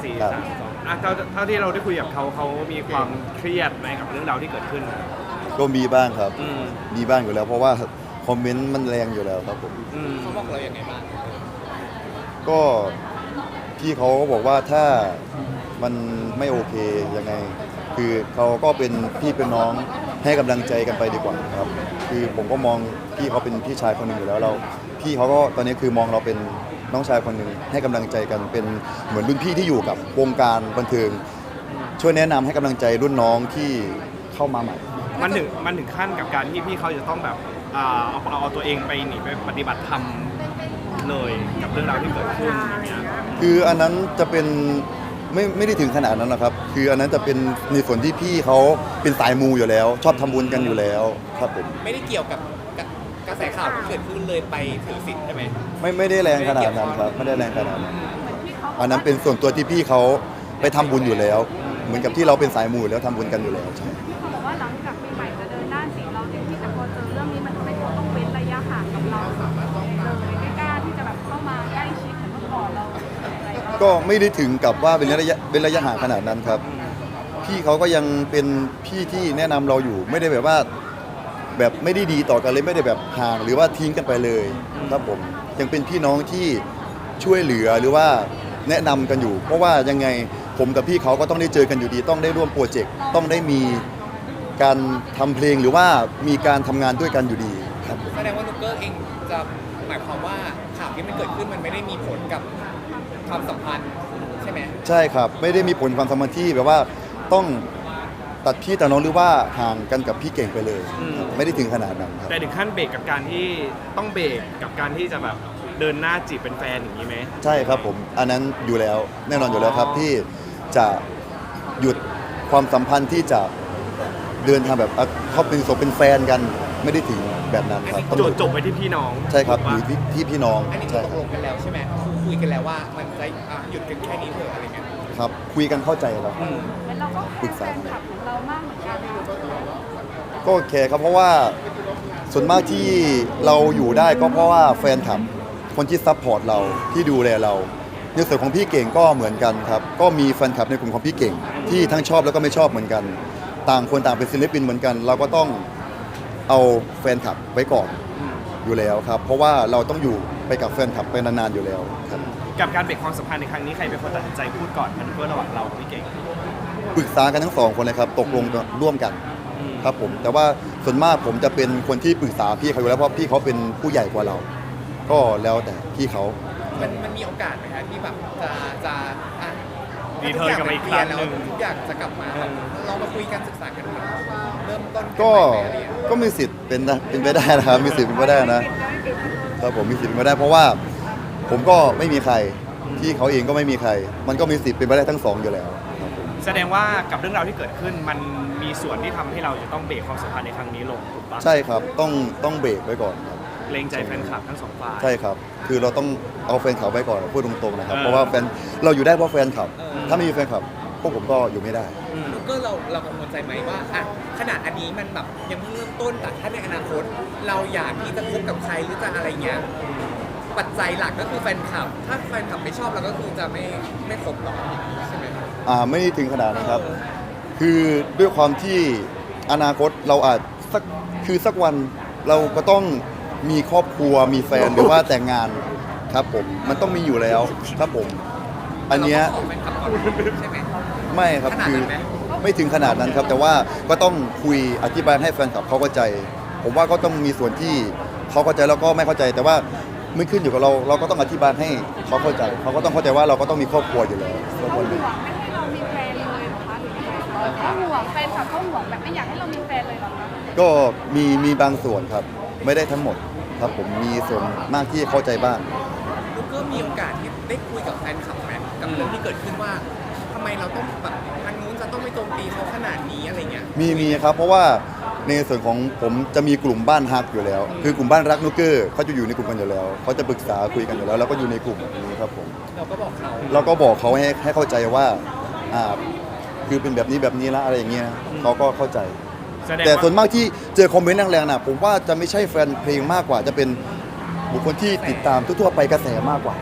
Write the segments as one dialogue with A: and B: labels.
A: 4 3 2เท่าที่เราได้คุยกับเขามีความเครียดไหมกับเรื่องราวที่เกิดขึ้น
B: ก็มีบ้างครับมีบ้างอยู่แล้วเพราะว่าคอมเมนต์มันแรงอยู่แล้วครับผม
C: เขาบอกเราอย่างไงบ้าง
B: ก็พี่เขาก็บอกว่าถ้ามันไม่โอเคยังไงคือเขาก็เป็นพี่เป็นน้องให้กำลังใจกันไปดีกว่าครับคือผมก็มองพี่เขาเป็นพี่ชายคนหนึ่งอยู่แล้วเราพี่เขาก็ตอนนี้คือมองเราเป็นน้องชายคนหนึ่งให้กำลังใจกันเป็นเหมือนรุ่นพี่ที่อยู่กับวงการบันเทิงช่วยแนะนำให้กำลังใจรุ่นน้องที่เข้ามาใหม่
A: มันถึงขั้นกับการที่พี่เขาจะต้องแบบเอาตัวเองไปหนีไปปฏิบัติธรรมเลยกับเรื่องราวที่เกิดขึ้นอย่างเงี้ย
B: คืออันนั้นจะเป็นไม่ได้ถึงขนาดนั้นหรอกครับคืออันนั้นจะเป็นในส่วนที่พี่เขาเป็นสายมูอยู่แล้วชอบทำบุญกันอยู่แล้วครับผม
C: ไม่ได้เกี่ยวกับกระแสข่าวที่เกิดขึ้นเลยไปถือศีลใช่ไหม
B: ไม่ได้แรงขนาดนั้นครับไม่ได้แรงขนาดนั้นอันนั้นเป็นส่วนตัวที่พี่เขาไปทำบุญอยู่แล้วเหมือนกับที่เราเป็นสายมูอยู่แล้วทำบุญกันอยู่แล้วใช่
D: เขาบอกว่าหลังจากปีใหม่จะเดินหน้าศีลเราเนี่ยที่แต่พอเจอเรื่องนี้มันทำให้เขาต้องเว้นระยะห่างกับเราเลยไม่กล้าที่จะแบบเข้ามาใกล้ชิดเหมือนเมื่อก่อนเรา
B: ก็ไม่ได้ถึงกับว่าเป็นระยะห่างขนาดนั้นครับพี่เขาก็ยังเป็นพี่ที่แนะนำเราอยู่ไม่ได้แบบว่าแบบไม่ได้ดีต่อกันเลยไม่ได้แบบห่างหรือว่าทิ้งกันไปเลยครับผมยังเป็นพี่น้องที่ช่วยเหลือหรือว่าแนะนำกันอยู่เพราะว่ายังไงผมกับพี่เขาก็ต้องได้เจอกันอยู่ดีต้องได้ร่วมโปรเจกต์ต้องได้มีการทำเพลงหรือว่ามีการทำงานด้วยกันอยู่ดีครับ
C: แสดงว่านุ๊กเกอร์เองจะหมายความว่าข่าวที่มันเกิดขึ้นมันไม่ได้มีผลกับความสัมพันธ์ใช่ไหม
B: ใช่ครับไม่ได้มีผลความสัมพันธ์ที่แบบว่าต้องตัดพี่ตัดน้องหรือว่าห่างกันกับพี่เก่งไปเลยไม่ได้ถึงขนาดนั้นครับ
A: แต่ถึงขั้นเบรกกับการที่ต้องเบรกกับการที่จะแบบเดินหน้าจีบเป็นแฟนอย่างนี้ไหม
B: ใช่ครับผมอันนั้นอยู่แล้วแน่นอนอยู่แล้วครับที่จะหยุดความสัมพันธ์ที่จะเดินทางแบบเขาเป็นเป็นแฟนกันไม่ได้ถึงแบบนั้นครับ
A: จบไปที่พี่น้อง
B: ใช่ครับอยู่ที่พี่น้อง
C: อันนี้ตกลงกันแล้วใช่ไหมคุยกันแล้วว่ามันจะหยุดกันแค่นี้เถอะอะไรเงี้ย
B: ครับคุยกันเข้าใจแล้ว
D: เราก็ปรึกษาแฟนคลับของเรามากเหมือนกัน
B: ก็โอเคครับเพราะว่าส่วนมากที่เราอยู่ได้ก็เพราะว่าแฟนคลับคนที่ซัพพอร์ตเราที่ดูแลเราในส่วนของพี่เก่งก็เหมือนกันครับก็มีแฟนคลับในกลุ่มของพี่เก่งที่ทั้งชอบแล้วก็ไม่ชอบเหมือนกันต่างคนต่างเป็นศิลปินเหมือนกันเราก็ต้องเอาแฟนคลับไว้ก่อนอยู่แล้วครับเพราะว่าเราต้องอยู่ไปกับแฟนคลับไปนานๆอยู่แล้วครับ
A: กับการเบรกความสัมพันธ์ในครั้งนี้ใครเป็นคนตัดสินใจพูดก่อนมันเพื่อระหว่างเรากับพี่เก่ง
B: ปรึกษากันทั้งสองคนเลยครับตกลงร่วมกันครับผมแต่ว่าส่วนมากผมจะเป็นคนที่ปรึกษาพี่เขาอยู่แล้วเพราะพี่เขาเป็นผู้ใหญ่กว่าเราก็แล้วแต่พี่เขา
C: มันมีโอกาสไหมครับที่แบบจะ
A: รีเทิร์นกลับมาอีกครั้งนึง
C: ทุกอย่างจะกลับมาเรามาคุยกันศึกษากันเริ่มต้น
B: ก็มีสิทธิ์เป็นไปได้นะครับมีสิทธิ์เป็นไปได้นะครับผมมีสิทธิ์เป็นไปได้เพราะว่าผมก็ไม่มีใครที่เขาเองก็ไม่มีใครมันก็มีสิทธิ์เป็นไปได้ทั้งสองอยู่แล้ว
A: แสดงว่ากับเรื่องราวที่เกิดขึ้นมันมีส่วนที่ทำให้เราจะต้องเบรกความสัมพันธ์ในครั้งนี้ลงถูกปะ
B: ใช่ครับต้องเบรกไว้ก่อนครับ
A: เกรงใจแฟนคลับทั้งสองฝ่าย
B: ใช่ครับคือเราต้องเอาแฟนคลับไว้ก่อนพูดตรงๆนะครับเพราะว่าแฟนเราอยู่ได้เพราะแฟนคลับถ้าไม่มีแฟนคลับพวกผมก็อยู่ไม่ได้
C: ก็เรากังวลใจไหมว่าขนาดอันนี้มันแบบยังเพิ่งเริ่มต้นแต่ถ้าในอนาคตเราอยากที่จะคบกับใครหรือจะอะไรเงี้ยปัจจัยหลักก็คือแฟนคลับถ้าแฟนคลับไม่ชอบเราก็คือจะไม่คบหรอกใช่ไหม
B: ไม่ถึงขนาดนะครับคือด้วยความที่อนาคตเราอาจสักวันเราก็ต้องมีครอบครัวมีแฟนหรือว่าแต่งงานครับผมมันต้องมีอยู่แล้วครับผมอันเนี้ยไม่ครับคือไม่ถึงขนาดนั้นครับแต่ว่าก็ต้องคุยอธิบายให้แฟนคลับเขาเข้าใจผมว่าก็ต้องมีส่วนที่เขาเข้าใจแล้วก็ไม่เข้าใจแต่ว่าไม่ขึ้นอยู่กับเราก็ต้องอธิบายให้เขาเข้าใจเขาก็ต้องเข้าใจว่าเราก็ต้องมีครอบครัวอยู่แล้ว
D: เขาห่วงไม่ให้เรามีแฟนเลยหรอคะเขาห่วงแฟนคลับเขาห่วงแบบไม่อยากให้เรามีแฟนเลยหรอคะ
B: ก็มีบางส่วนครับไม่ได้ทั้งหมดครับผมมีส่วนมากที่เข้าใจบ้าง
C: ลูกก็มีโอกาสที่ได้คุยกับแฟนคลับไหมกับเรื่องที่เกิดขึ้นว่าทำไมเราต้องแบบทางนู้นจะต้องไม่โจมตีเขาขนาดนี้อะไรเงี้ย
B: มีครับเพราะว่าในส่วนของผมจะมีกลุ่มบ้านฮักอยู่แล้วคือกลุ่มบ้านรักนุกเกอร์เขาจะอยู่ในกลุ่มกันอยู่แล้วเขาจะปรึกษาคุยกันอยู่แล้วแล้วก็อยู่ในกลุ่มนี้ครับผม
C: เราก็บอก
B: เขาให้เข้าใจว่าคือเป็นแบบนี้ละอะไรอย่างเงี้ยเขาก็เข้าใจแต่ส่วนมากที่เจอคอมเมนต์แรงๆนะผมว่าจะไม่ใช่แฟนเพลงมากกว่าจะเป็นบุคคลที่ติดตามทั่วๆไปกระแสมากกว่า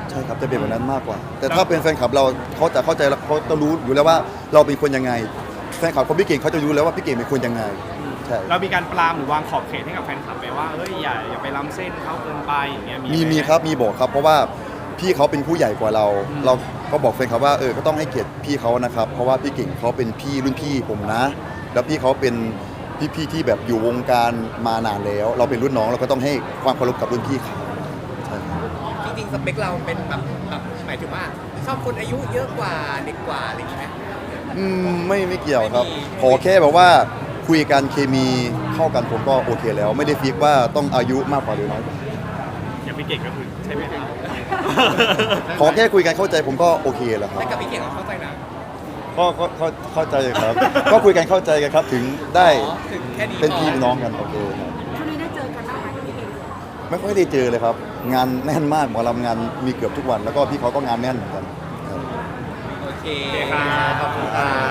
B: ใช่ครับจะเป็นแบบนั้นมากกว่า แต่ถ้าเป็นแฟนคลับเราเขาจะเข้าใจแล้วเขาจะรู้อยู่แล้วว่าเราเป็นคนยังไงแฟนคลับของพี่เก่งเขาจะรู้แล้วว่าพี่เก่งเป็นคนยังไงใช่
A: เรามีการปรามหรือวางขอบเขตให้กับแฟนคลับไหมว่าเฮ้ยอย่าไปล้ำเส้นเขาเกินไปอย่างเงี้ย
B: มีครับมีบอกครับเพราะว่าพี่เขาเป็นผู้ใหญ่กว่าเรา เราก็บอกแฟนคลับว่าก็ต้องให้เกียรติพี่เขานะครับเพราะว่าพี่เก่งเขาเป็นพี่รุ่นพี่ผมนะ แล้วพี่เขาเป็นพี่ที่แบบอยู่วงการมานานแล้ว เราเป็นรุ่นน้องเราก็ต้องให้ความเคารพกับรุ่นพี่เขาใช่ครับ
C: จริงๆสเปคเราเป็นแบบหมายถึงว่าชอบคนอายุเยอะกว่าเด็กกว่าอะไรอย่างงี้ไหม
B: ไม่เกี่ยวครับ
C: ไม่มี
B: ขอแค่แบบว่าคุยกันเคมีเข้ากันผมก็โอเคแล้ว ไม่ได้ฟิกว่าต้องอายุมากกว่าหรือน้อยกว่า
A: อย่างพี่เก่งก็คือใช่ไหมครับ
B: ขอแค่คุยกันเข้าใจผมก็โอเคแล้วครับ
C: แต่กับพี่เก่งเราเข้าใจนะ
B: ก็เข้าใจครับ ก็คุยกันเข้าใจกันครับ ถึงได้
C: อ๋อถึงแค่นี้
B: เป็น
C: พอ
B: พี่น้องกันโอเคครับ
D: ช่วงนี้ได้เจอกันบ้างไหมพี่เก่ง
B: ไม่ค่อยได้เจอเลยครับ งานแน่นมากหมอลำงานมีเกือบทุกวัน แล้วก็พี่เขาก็งานแน่นเหมือนกันครับ
C: โอเค
A: โอเคครับ
C: ขอบคุณครับ